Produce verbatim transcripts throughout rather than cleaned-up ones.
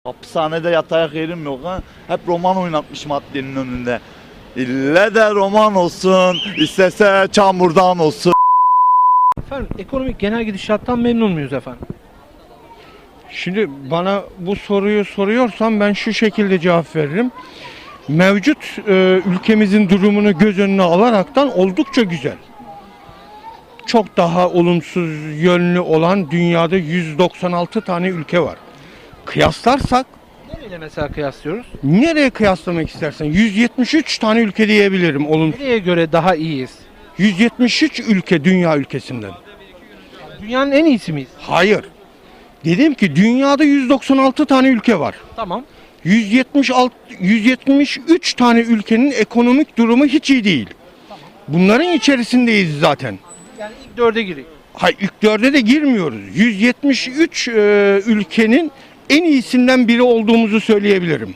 Hapishanede yatayak yerim yok ha. Hep roman oynatmış maddenin önünde. İlle de roman olsun, istese çamurdan olsun. Efendim ekonomik genel gidişattan memnun muyuz efendim? Şimdi bana bu soruyu soruyorsan ben şu şekilde cevap veririm. Mevcut e, ülkemizin durumunu göz önüne alaraktan oldukça güzel. Çok daha olumsuz yönlü olan dünyada yüz doksan altı tane ülke var. Kıyaslarsak Nereyle mesela kıyaslıyoruz? nereye kıyaslamak istersen yüz yetmiş üç tane ülke diyebilirim olumsuz. Nereye göre daha iyiyiz? yüz yetmiş üç ülke dünya ülkesinden. Dünyanın en iyisi miyiz? Hayır. Dedim ki dünyada yüz doksan altı tane ülke var. Tamam. yüz yetmiş altı yüz yetmiş üç tane ülkenin ekonomik durumu hiç iyi değil. Bunların içerisindeyiz zaten. Yani ilk dörde gireyim. Hayır, ilk dörde de girmiyoruz. yüz yetmiş üç e, ülkenin en iyisinden biri olduğumuzu söyleyebilirim.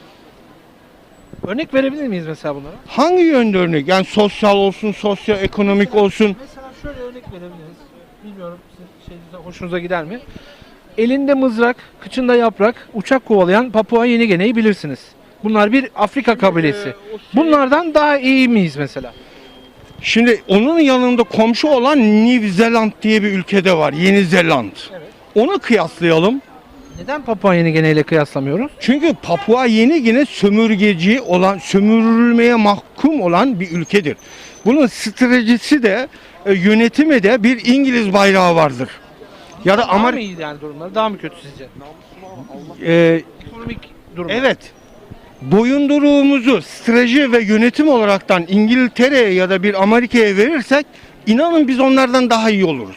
Örnek verebilir miyiz mesela bunlara? Hangi yönde örnek? Yani sosyal olsun, sosyoekonomik olsun. Mesela şöyle örnek verebiliriz. Bilmiyorum sizin şeyinize, hoşunuza gider mi? Elinde mızrak, kıçında yaprak, uçak kovalayan Papua Yeni Gine'yi bilirsiniz. Bunlar bir Afrika kabilesi. Bunlardan daha iyi miyiz mesela? Şimdi onun yanında komşu olan New Zealand diye bir ülkede var. Yeni Zeland. Evet. Onu kıyaslayalım. Neden Papua Yeni Gine ile kıyaslamıyoruz? Çünkü Papua Yeni Gine sömürgeci olan, sömürülmeye mahkum olan bir ülkedir. Bunun stratejisi de, e, yönetimi de bir İngiliz bayrağı vardır. Ya da Daha mı Amerika. iyi yani durumları? Daha mı kötü sizce? E, Ekonomik durum. evet. Boyunduruğumuzu strateji ve yönetim olaraktan İngiltere'ye ya da bir Amerika'ya verirsek inanın biz onlardan daha iyi oluruz.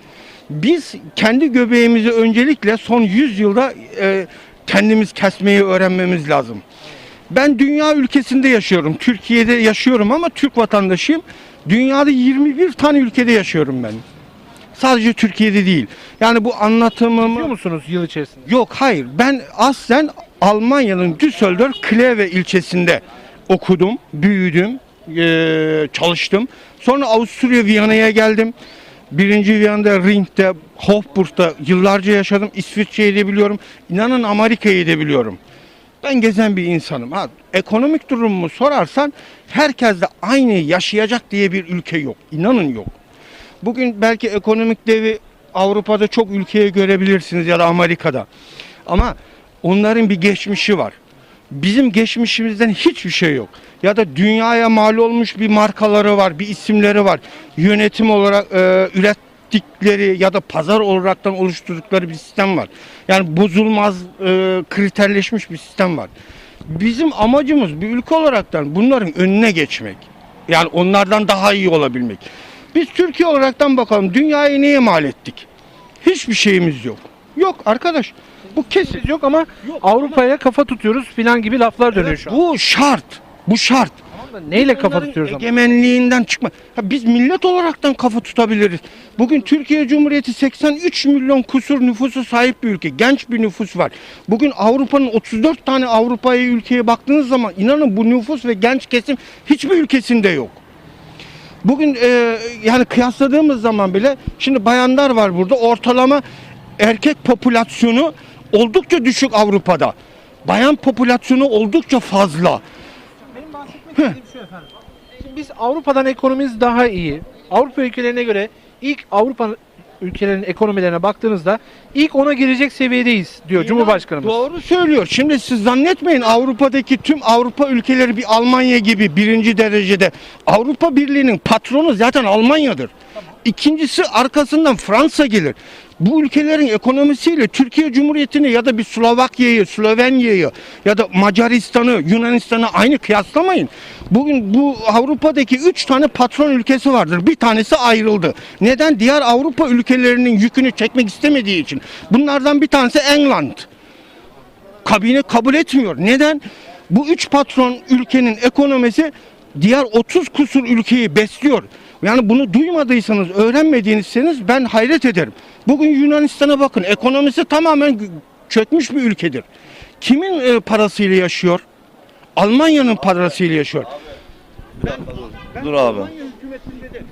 Biz kendi göbeğimizi öncelikle son yüz yılda e, kendimiz kesmeyi öğrenmemiz lazım. Ben dünya ülkesinde yaşıyorum. Türkiye'de yaşıyorum ama Türk vatandaşıyım. Dünyada yirmi bir tane ülkede yaşıyorum ben. Sadece Türkiye'de değil. Yani bu anlatımımı... Biliyor musunuz yıl içerisinde? Yok, hayır. Ben aslen Almanya'nın Düsseldorf Kleve ilçesinde okudum, büyüdüm, eee, çalıştım. Sonra Avusturya Viyana'ya geldim. Birinci Viyana'da, Ring'de, Hofburg'da yıllarca yaşadım. İsviçre'yi de biliyorum. İnanın Amerika'yı da biliyorum. Ben gezen bir insanım. Ha, ekonomik durumumu sorarsan herkes de aynı yaşayacak diye bir ülke yok. İnanın yok. Bugün belki ekonomik devi Avrupa'da çok ülkeye görebilirsiniz ya da Amerika'da. Ama onların bir geçmişi var. Bizim geçmişimizden hiçbir şey yok. Ya da dünyaya mal olmuş bir markaları var, bir isimleri var. Yönetim olarak e, ürettikleri ya da pazar olaraktan oluşturdukları bir sistem var. Yani bozulmaz, e, kriterleşmiş bir sistem var. Bizim amacımız bir ülke olaraktan bunların önüne geçmek. Yani onlardan daha iyi olabilmek. Biz Türkiye olaraktan bakalım dünyayı neye mal ettik? Hiçbir şeyimiz yok. Yok arkadaş. Bu kesin. Biz yok ama Avrupa'ya kafa tutuyoruz filan gibi laflar dönüyor şu an. Bu şart. Bu şart. Tamam da neyle kafa Onların tutuyoruz ama? egemenliğinden çıkma. Ha, biz millet olaraktan kafa tutabiliriz. Bugün Türkiye Cumhuriyeti seksen üç milyon kusur nüfusu sahip bir ülke. Genç bir nüfus var. Bugün Avrupa'nın otuz dört tane Avrupa'ya ülkeye baktığınız zaman inanın bu nüfus ve genç kesim hiçbir ülkesinde yok. Bugün e, yani kıyasladığımız zaman bile şimdi bayanlar var burada, ortalama erkek popülasyonu oldukça düşük Avrupa'da. Bayan popülasyonu oldukça fazla. Benim bahsetmek istediğim şu efendim. Şimdi biz Avrupa'dan ekonomimiz daha iyi. Avrupa ülkelerine göre ilk Avrupa ülkelerinin ekonomilerine baktığınızda ilk ona girecek seviyedeyiz diyor Cumhurbaşkanımız. Doğru söylüyor. Şimdi siz zannetmeyin Avrupa'daki tüm Avrupa ülkeleri bir Almanya gibi birinci derecede. Avrupa Birliği'nin patronu zaten Almanya'dır. İkincisi arkasından Fransa gelir. Bu ülkelerin ekonomisiyle Türkiye Cumhuriyeti'ni ya da bir Slovakya'yı, Slovenya'yı ya da Macaristan'ı, Yunanistan'ı aynı kıyaslamayın. Bugün bu Avrupa'daki üç tane patron ülkesi vardır. Bir tanesi ayrıldı. Neden? Diğer Avrupa ülkelerinin yükünü çekmek istemediği için. Bunlardan bir tanesi England. Kabine kabul etmiyor. Neden? Bu üç patron ülkenin ekonomisi diğer otuz kusur ülkeyi besliyor. Yani bunu duymadıysanız, öğrenmediyseniz ben hayret ederim. Bugün Yunanistan'a bakın. Ekonomisi tamamen çökmüş bir ülkedir. Kimin e, parasıyla yaşıyor? Almanya'nın parasıyla yaşıyor. Ben, ben Dur abi. Almanya hükümetinde de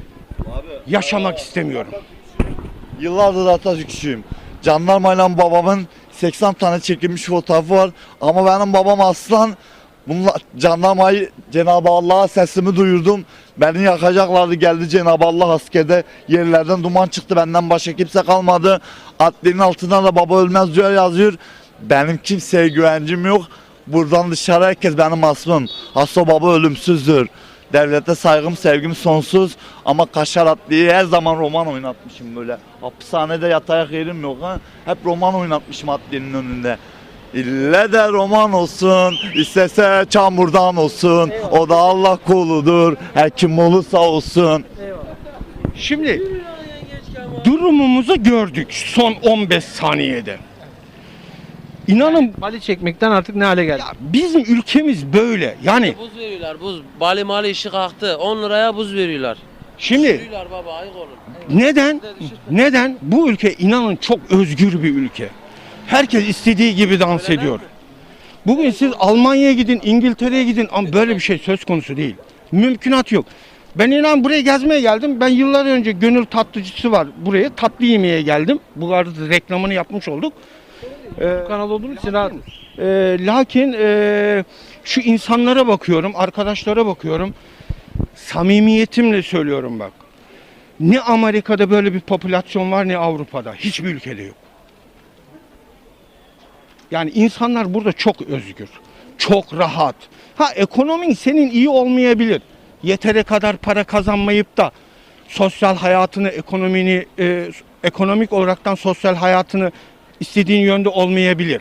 yaşamak istemiyorum. Yıllardır Atatürkçüyüm. Jandarmayla babamın seksen tane çekilmiş fotoğrafı var. Ama benim babam aslan. Bunlar jandarmayı Cenab-ı Allah'a sesimi duyurdum. Beni yakacaklardı, geldi Cenab-ı Allah askerde, yerlerden duman çıktı, benden başka kimse kalmadı. Adlinin altına da baba ölmez diyor yazıyor. Benim kimseye güvencim yok. Buradan dışarı herkes benim asmım. Hasso baba ölümsüzdür. Devlete saygım sevgim sonsuz. Ama Kaşar Adliye'yi her zaman roman oynatmışım böyle. Hapishanede yatayak yerim yok ha. Hep roman oynatmışım adliyenin önünde. İlle de roman olsun, istese çamurdan olsun. Eyvallah. O da Allah kuludur, her kim olursa olsun. Eyvallah. Şimdi durumumuzu gördük son on beş saniyede. İnanın Mali çekmekten artık ne hale geldi? ya bizim ülkemiz böyle. Yani Buz veriyorlar buz. Bali mali işi kalktı. on liraya buz veriyorlar. şimdi Veriyorlar baba ayık olun. neden? Neden? Bu ülke inanın çok özgür bir ülke. Herkes istediği gibi dans Öyle ediyor. Bugün siz Almanya'ya gidin, İngiltere'ye gidin ama böyle bir şey söz konusu değil. Mümkünat yok. Ben inan buraya gezmeye geldim. Ben yıllar önce Gönül Tatlıcısı var buraya. Tatlı yemeye geldim. Bu arada reklamını yapmış olduk. Ee, Bu kanal olduğunuz için rahat. e, lakin e, şu insanlara bakıyorum, arkadaşlara bakıyorum. Samimiyetimle söylüyorum bak. Ne Amerika'da böyle bir popülasyon var ne Avrupa'da. Hiçbir ülkede yok. Yani insanlar burada çok özgür, çok rahat. Ha ekonomin senin iyi olmayabilir. Yetere kadar para kazanmayıp da sosyal hayatını, ekonomini, e, ekonomik olaraktan sosyal hayatını istediğin yönde olmayabilir.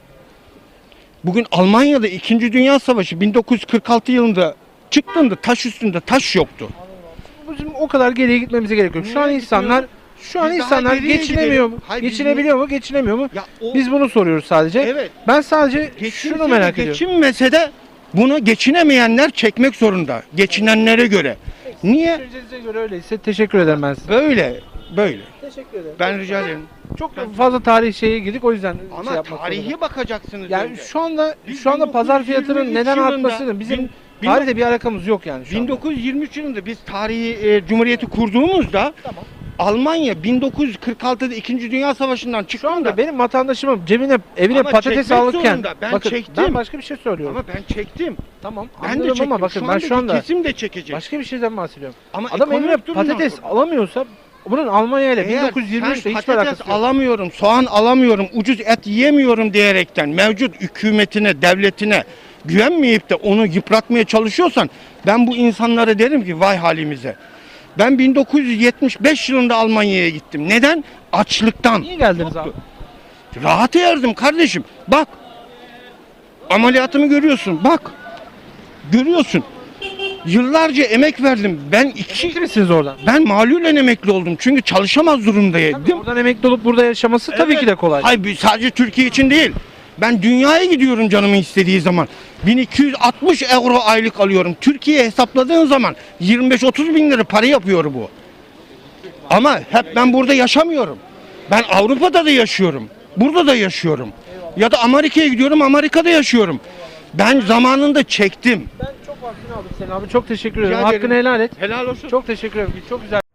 Bugün Almanya'da İkinci Dünya Savaşı bin dokuz yüz kırk altı yılında çıktığında taş üstünde taş yoktu. Bizim o kadar geriye gitmemize gerek yok. Şu an Niye insanlar şu an Biz daha insanlar geriye geçinemiyor gidelim. mu? Hayır, biz Geçinebiliyor mu? Geçinemiyor mu? Ya o- Biz bunu soruyoruz sadece. Evet. Ben sadece Geçinse şunu de merak ediyorum. Geçinmese de bunu geçinemeyenler çekmek zorunda. Geçinenlere göre. Niye? Düşüncenize göre öyleyse teşekkür ederim ben size. Böyle. Böyle. Teşekkür ederim. Ben rica ederim. Çok fazla tarih şeye girdik o yüzden Ama şey yapmak tarihi zorunda. bakacaksınız Yani önce. şu anda Biz şu anda pazar bin dokuz yüz yirmi fiyatının üç neden yılında- artmasının bizim bin- bin- tarihte bir alakamız yok yani şu bin anda. dokuz yüz yirmi üç yılında biz tarihi e, cumhuriyeti kurduğumuzda Tamam. Almanya bin dokuz yüz kırk altıda İkinci Dünya Savaşı'ndan Şu çıktığında anda benim vatandaşımın cebine evine Ama patates çekmek alırken zorunda. Ben bakın çektim. ben başka bir şey söylüyorum. ama ben çektim. Tamam. Ben de anladım çektim. ama bakın ben andaki şu anda kesim de çekecek. başka bir şeyden bahsediyorum. Ama Adam ekonomik evine durumdan patates sonra. alamıyorsa bunun Almanya ile Eğer bin dokuz yüz yirmi üçte sen hiçbir alakası patates yok. alamıyorum, soğan alamıyorum, ucuz et yiyemiyorum diyerekten mevcut hükümetine, devletine güvenmeyip de onu yıpratmaya çalışıyorsan ben bu insanlara derim ki vay halimize. Ben bin dokuz yüz yetmiş beş yılında Almanya'ya gittim. Neden? Açlıktan. Niye geldiniz abi? Rahat yerdim kardeşim. Bak. Ameliyatımı görüyorsun. Bak. Görüyorsun. Yıllarca emek verdim. Ben iki Emekli misiniz oradan? ben malulen emekli oldum. Çünkü çalışamaz durumdaydım. Tabii, oradan emekli olup burada yaşaması tabii Evet. ki de kolay. Hayır bir- sadece Türkiye için değil. Ben dünyaya gidiyorum canımın istediği zaman. bin iki yüz altmış euro aylık alıyorum. Türkiye'ye hesapladığın zaman yirmi beş otuz bin lira para yapıyor bu. Ama hep ben burada yaşamıyorum. Ben Avrupa'da da yaşıyorum. Burada da yaşıyorum. Ya da Amerika'ya gidiyorum, Amerika'da yaşıyorum. Ben zamanında çektim. Ben çok vaktini aldım senin abi. Çok teşekkür ederim. Rica ederim. Hakkını helal et. Helal olsun. Çok teşekkür ederim. Çok güzel.